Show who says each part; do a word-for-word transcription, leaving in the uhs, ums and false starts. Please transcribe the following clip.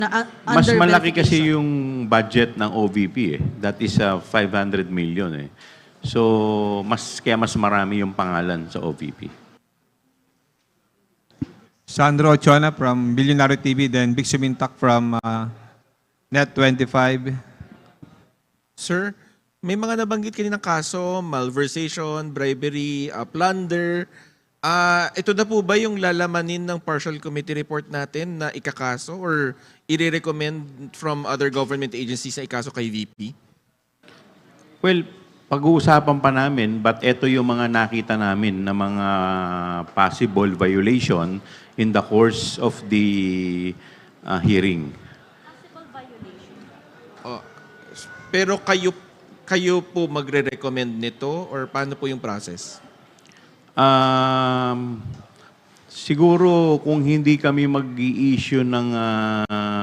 Speaker 1: Na, uh,
Speaker 2: Mas
Speaker 1: under
Speaker 2: malaki kasi
Speaker 1: verification.
Speaker 2: yung budget ng O V P eh. That is uh, five hundred million eh. So, mas kaya mas marami yung pangalan sa O V P.
Speaker 3: Sandro Ochoa from Billionaire T V, then Big Sumintak from uh, Net twenty-five.
Speaker 4: Sir, may mga nabanggit kaninang kaso, malversation, bribery, uh, plunder. Ah, ito na po ba yung lalamanin ng partial committee report natin na ikakaso or i-recommend from other government agencies na ikaso kay V P?
Speaker 2: Well, pag-uusapan pa namin, but ito yung mga nakita namin na mga possible violation in the course of the uh, hearing.
Speaker 4: Oh, pero kayo kayo po magre-recommend nito or paano po yung process?
Speaker 2: Um, siguro kung hindi kami mag-i-issue ng uh,